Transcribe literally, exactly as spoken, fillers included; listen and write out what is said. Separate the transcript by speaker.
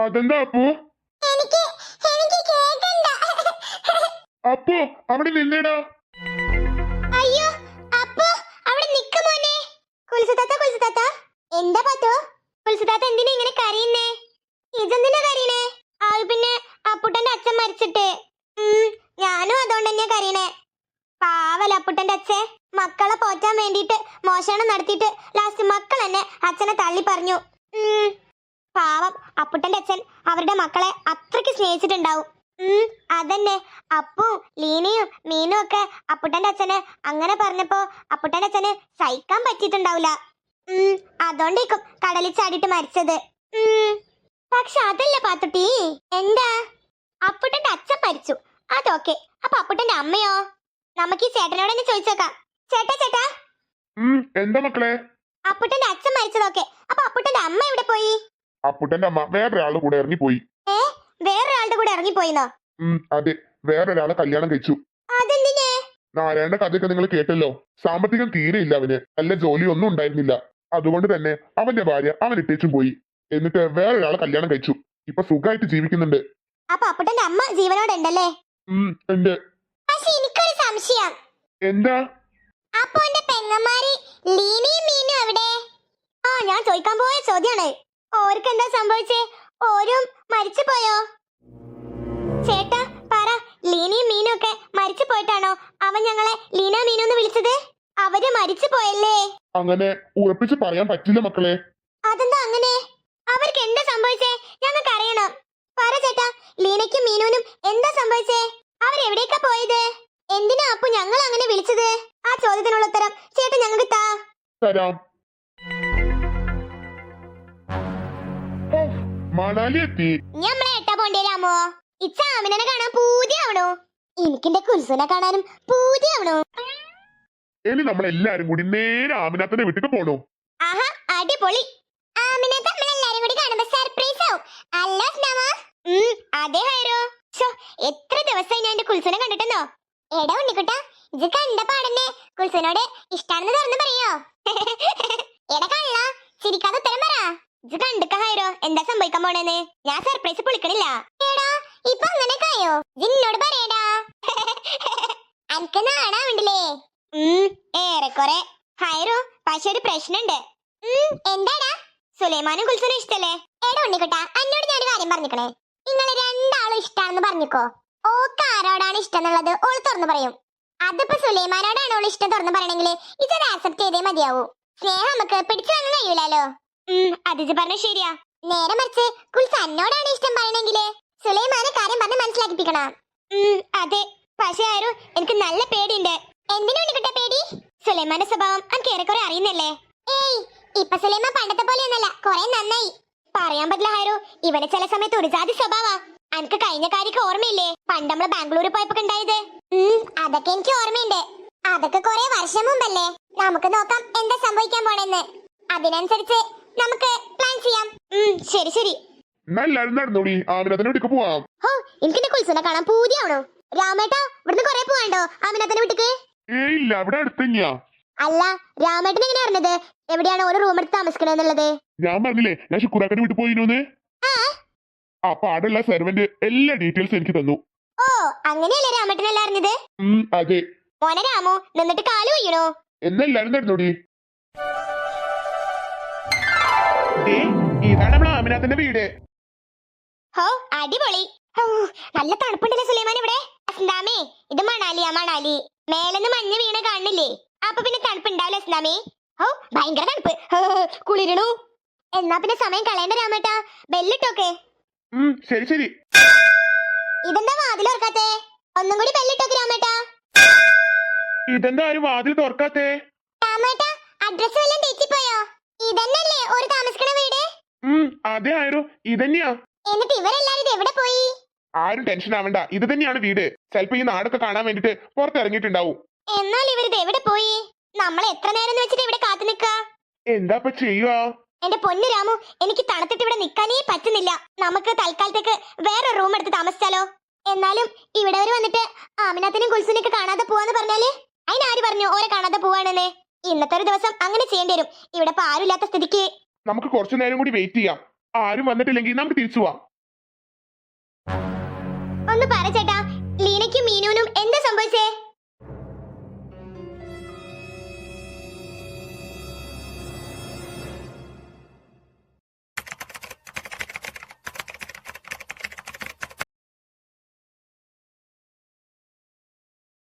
Speaker 1: അതെന്താ അപ്പു?
Speaker 2: എനിക്ക് എനിക്ക് കേക്കണ്ട.
Speaker 1: അപ്പു അവിടെ നിന്നേടാ.
Speaker 2: അയ്യോ അപ്പു അവിടെ നിക്ക് മോനെ. കുൽസുതാത്ത കുൽസുതാത്ത എന്താ പാത്തോ? കുൽസുതാത്ത എന്തിനാ ഇങ്ങനെ കരയുന്നേ? ഇതെന്തിനാ കരയണേ? ആ പിന്നെ അപ്പുട്ടന്റെ അച്ഛൻ മരിച്ചിട്ട്. ഉം ഞാനും അതുകൊണ്ട് തന്നെയാ കരയണേ. പാവല അപ്പുട്ടന്റെ അച്ഛൻ മക്കളെ പോറ്റാൻ വേണ്ടിട്ട് മോഷണം നടത്തിയിട്ട് ലാസ്റ്റ് മക്കൾ എന്നെ അച്ഛനെ തള്ളി പറഞ്ഞു. ഉം പാവം അപ്പുട്ടന്റെ അച്ഛൻ അവരുടെ മക്കളെ അത്രയ്ക്ക് സ്നേഹിച്ചിട്ടുണ്ടാവും. ഉം അതന്നെ അപ്പു ലീനയും മീനും ഒക്കെ അപ്പുട്ടന്റെ അച്ഛന് അങ്ങനെ പറഞ്ഞപ്പോ അപ്പുട്ടന്റെ അച്ഛന് സഹിക്കാൻ പറ്റിയിട്ടുണ്ടാവില്ല. ഉം അതുകൊണ്ടേക്കും കടലിൽ ചാടിയിട്ട് മരിച്ചത്. ഉം പക്ഷെ അതല്ല പാത്തുട്ടി. എന്താ? അപ്പുട്ടന്റെ അച്ഛൻ മരിച്ചു അതൊക്കെ. അപ്പൊ അപ്പുട്ടന്റെ അമ്മയോ? നമുക്ക് ഈ ചേട്ടനോട് തന്നെ ചോദിച്ചേക്കാം. ചേട്ടാ ചേട്ടാ
Speaker 1: എന്താ മക്കളെ?
Speaker 2: അപ്പുട്ടന്റെ അച്ഛൻ മരിച്ചതൊക്കെ. അപ്പൊ അപ്പുട്ടന്റെ അമ്മ എവിടെ പോയി?
Speaker 1: അപ്പുട്ടന്റെ അമ്മ വേറൊരാളുടെ കൂടെ ഇറങ്ങിപ്പോയി.
Speaker 2: ഏ വേറൊരാളുടെ കൂടെ ഇറങ്ങിപ്പോയിന്നോ?
Speaker 1: ഉം അതെ, വേറൊരാളെ കല്യാണം കഴിച്ചു.
Speaker 2: അതെന്തിനെ?
Speaker 1: നാരായണന്റെ കഥയൊക്കെ നിങ്ങൾ കേട്ടല്ലോ. സാമ്പത്തികം തീരെ ഇല്ല അവന്. നല്ല ജോലി ഒന്നും ഉണ്ടായിരുന്നില്ല. അതുകൊണ്ട് തന്നെ അവന്റെ ഭാര്യ അവൻ ഇട്ടേച്ചും പോയി. എന്നിട്ട് വേറൊരാളെ കല്യാണം കഴിച്ചു. ഇപ്പൊ സുഖമായിട്ട് ജീവിക്കുന്നുണ്ട്.
Speaker 2: അപ്പൊ അപ്പുട്ടന്റെ അമ്മ ജീവനോടെ ഉണ്ടല്ലേ?
Speaker 1: ഉം ഉണ്ട്.
Speaker 2: പക്ഷെ എനിക്കൊരു സംശയം.
Speaker 1: എന്താ?
Speaker 2: അപ്പൊ എന്റെ പെങ്ങന്മാര് ലീനയും മീനും എവിടെ? ആ ഞാൻ ചോദിക്കാൻ പോയ ചോദ്യാണ്. ഓർക്ക് എന്താ സംഭവിച്ചേ? ഓരും മരിച്ചു പോയോ? ചേട്ടാ പറ, ലീനയും മീനും ഒക്കെ മരിച്ചു പോയിട്ടാണോ അവൻ ഞങ്ങളെ ലീന മീനു എന്ന് വിളിച്ചത്? അവര് മരിച്ചു പോയല്ലേ?
Speaker 1: അങ്ങനെ ഉറപ്പിച്ച് പറയാൻ പറ്റില്ല മക്കളെ.
Speaker 2: അതെന്താ അങ്ങനെ? അവർക്ക് എന്താ സംഭവിച്ചേ? ഞങ്ങൾക്ക് അറിയണം. പറ ചേട്ടാ, ലീനയ്ക്കും മീനുവിനും എന്താ സംഭവിച്ചേ? അവരെവിടേക്കാ പോയത്? എന്തിനാ അപ്പു ഞങ്ങൾ അങ്ങനെ വിളിച്ചത്? ആ ചോദ്യത്തിനുള്ള ഉത്തരം ചേട്ടൻ ഞങ്ങൾക്ക് താ.
Speaker 1: തരാം. മണാലി എത്തി.
Speaker 2: ഞമ്മളെ എട്ടാ പോണ്ടേലാമോ? ഇച്ച ആമിനെ കാണാൻ പൂതിയാവണു. എനിക്കെന്റെ കുൽസുനെ കാണാനും പൂതിയാവണു.
Speaker 1: ഇനി നമ്മൾ എല്ലാരും കൂടി നേരെ ആമിനാത്തന്റെ വീട്ടിൽ പോണു.
Speaker 2: ആഹാ അടിപൊളി. ആമിനെ നമ്മൾ എല്ലാരും കൂടി കാണുമ്പോ സർപ്രൈസ് ആവും. അല്ല സ്നമ? ഉം അതെ ഹൈറോ. ശോ എത്ര ദിവസമായി ഞാൻ എന്റെ കുൽസുനെ കണ്ടിട്ടെന്നോ. എടാ ഉണ്ണിക്കുട്ടാ, ഇത് കണ്ട പാടന്നെ കുൽസുനോട് ഇഷ്ടാണെന്ന് തുറന്നു പറയോ? എടാ കള്ള ചിരിക്കാതെ ഉത്തരം പറ. ഇത് കണ്ടിക്ക ഹൈറോ, എന്താ സംഭവിക്കാൻ പോണേന്ന്? ഞാൻ സർപ്രൈസ് പൊളിക്കണില്ല. എടാ ഇപ്പൊ അങ്ങനെ കായോ? ജിന്നോട് പറയടാ. അനക്ക് നാണാവുണ്ടല്ലേ? ഉം ഏറെക്കുറെ. ഹൈറോ പക്ഷെ ഒരു പ്രശ്നമുണ്ട്. ഉം എന്താടാ? സുലൈമാനും കുൽസുനും ഇഷ്ടല്ലേ? എടാ ഉണ്ണിക്കുട്ടാ, എന്നോട് ഞാൻ ഒരു കാര്യം പറഞ്ഞിക്കണേ. നിങ്ങള് രണ്ടാളും ഇഷ്ടാണെന്ന് പറഞ്ഞിക്കോ. ഓക്ക് ആരോടാണ് ഇഷ്ടം എന്നുള്ളത് ഓള് തുറന്നു പറയും. അതിപ്പോ സുലൈമാനോടാണ് ഓള് ഇഷ്ടം തുറന്നു പറയണെങ്കിൽ ഇതൊരു ആക്സെപ്റ്റ് ചെയ്തേ മതിയാവൂ. സ്നേഹം നമുക്ക് പിടിച്ചു വാങ്ങാൻ കഴിയൂലോ. ഉം അതിജ് പറഞ്ഞ ശരിയാ. നേരെ മറിച്ച് കുൽസ് എന്നോടാണ് ഇഷ്ടം പറയണെങ്കില് സുലൈമാനെ കാര്യം പറഞ്ഞ് മനസ്സിലാക്കിപ്പിക്കണം. ഉം അതെ. പക്ഷേ ആരും എനിക്ക് നല്ല പേടിയുണ്ട്. എന്തിനാ ഉണ്ണിക്കുട്ടാ പേടി? സുലൈമാന്റെ സ്വഭാവം എനിക്ക് ഏറെക്കുറെ അറിയുന്നല്ലേ? ഏയ് ഇപ്പൊ സുലൈമാൻ പണ്ടത്തെ പോലെയൊന്നല്ല, കൊറേ നന്നായി. പറയാൻ പറ്റില്ല ഹൈറു, ഇവന് ചില സമയത്ത് ഒരു ജാതി സ്വഭാവാ. അനക്ക് കഴിഞ്ഞ കാര്യക്ക് ഓർമ്മയില്ലേ പണ്ട് നമ്മള് ബാംഗ്ലൂർ പോയപ്പോ ഉണ്ടായത്? ഉം അതൊക്കെ എനിക്ക് ഓർമ്മയുണ്ട്. അതൊക്കെ കൊറേ വർഷം മുമ്പല്ലേ. നമുക്ക് നോക്കാം എന്താ സംഭവിക്കാൻ പോണെന്ന്. അതിനനുസരിച്ച് നമുക്ക് പ്ലാൻ ചെയ്യാം. ഉം ശരി ശരി.
Speaker 1: എല്ലാരും നടന്നോടി, ആമിനാത്തന്റെ വീട്ടിൽ പോവാം.
Speaker 2: ഹോ എനിക്ക് കുൽസുനെ കാണാൻ പൂതിയാവണോ. രാമേട്ടാ ഇവിടുന്ന് കൊറേ പോവാണ്ടോ ആമിനാത്തന്റെ വീട്ടിക്ക്?
Speaker 1: ഏയ് ഇല്ല, അവിടെ അടുത്ത് തന്നെയാ.
Speaker 2: അല്ല രാമേട്ടൻ എങ്ങനെ അറിഞ്ഞത് എവിടെയാണ് ഒരു റൂം എടുത്ത് താമസിക്കണെന്നുള്ളത്?
Speaker 1: ഞാൻ പറഞ്ഞില്ലേ ഞാൻ ശുക്രാക്കന്റെ വീട്ടിൽ പോയിന്ന്. അപ്പൊ അവിടെയുള്ള സെർവന്റ് എല്ലാ ഡീറ്റെയിൽസും എനിക്ക് തന്നു.
Speaker 2: ഓ അങ്ങനെയല്ലേ രാമേട്ടനല്ല അറിഞ്ഞത്?
Speaker 1: ഉം അതെ.
Speaker 2: മോനെ രാമു നിന്നിട്ട് കാല് വീണോ?
Speaker 1: എന്നെല്ലാരും നടന്നോടി. ഇതാണ് നമ്മളെ ആമിനാത്തന്റെ വീട്.
Speaker 2: ഹോ അടിപൊളി. നല്ല തണുപ്പുണ്ടല്ലേ സുലൈമാൻ ഇവിടെ? അസ്ലാമേ ഇത് മണാലിയാ മണാലി. മേലെന്ന് മഞ്ഞ് വീണ കാണില്ലേ? അപ്പൊ പിന്നെ തണുപ്പ് ഉണ്ടാവില്ല അസ്ലാമേ. ഓ ഭയങ്കര തണുപ്പ്, കുളിരണു. എന്നാ പിന്നെ സമയം കളയണ്ട രാമേട്ടാ, ബെല്ലിട്ടോക്കെ.
Speaker 1: ശരി ശരി.
Speaker 2: ഇതെന്താ വാതിൽ തുറക്കാത്തെ? ഒന്നും കൂടി ബെല്ലിട്ടോക്കെ രാമേട്ടാ.
Speaker 1: ഇതെന്താ ആരും വാതിൽ തുറക്കാത്തെ?
Speaker 2: രാമേട്ടാ അഡ്രസ് വല്ലതും തെറ്റിപ്പോയോ? ഇതന്നല്ലേ ഒരു താമസിക്കണ വീട്?
Speaker 1: ഉം അതെ ആയിരം ഇതന്നെയാ.
Speaker 2: എന്നിട്ട് ഇവരെല്ലാരും എവിടെ പോയി?
Speaker 1: ആരും ടെൻഷൻ ആവണ്ട, ഇത് തന്നെയാണ് വീട്. ചിലപ്പോ ഈ നാടൊക്കെ കാണാൻ വേണ്ടിട്ട് പുറത്തിറങ്ങിയിട്ടുണ്ടാവും.
Speaker 2: എന്നാൽ ഇവരിത് എവിടെ പോയി? നമ്മൾ എത്ര നേരം വെച്ചിട്ട് ഇവിടെ കാത്തു നിൽക്ക?
Speaker 1: എന്താ ചെയ്യുക?
Speaker 2: എന്റെ പൊന്നു രാമു, എനിക്ക് തണുത്തിട്ട് ഇവിടെ നിൽക്കാനേ പറ്റുന്നില്ല. നമുക്ക് തൽക്കാലത്തേക്ക് വേറെ റൂം എടുത്ത് താമസിച്ചാലോ? എന്നാലും ഇവിടെ വരെ വന്നിട്ട് ആമിനാത്തിനും കുൽസുനെയൊക്കെ കാണാതെ പോവാന്ന് പറഞ്ഞാല് അതിനാര് പറഞ്ഞു ഓരെ കാണാതെ പോവാണെന്ന്? ഇന്നത്തെ ഒരു ദിവസം അങ്ങനെ ചെയ്യേണ്ടി വരും. ഇവിടെ ഇപ്പൊ ആരുമില്ലാത്ത സ്ഥിതിക്ക്
Speaker 1: നമുക്ക് കുറച്ചു നേരം കൂടി വെയിറ്റ് ചെയ്യാം. ആരും വന്നിട്ടില്ലെങ്കിൽ നമുക്ക് തിരിച്ചു പോവാം.
Speaker 2: ഒന്ന് പറ ചേട്ടാ, ലീനയ്ക്കും മീനുവിനും എന്താ സംഭവിച്ചേ?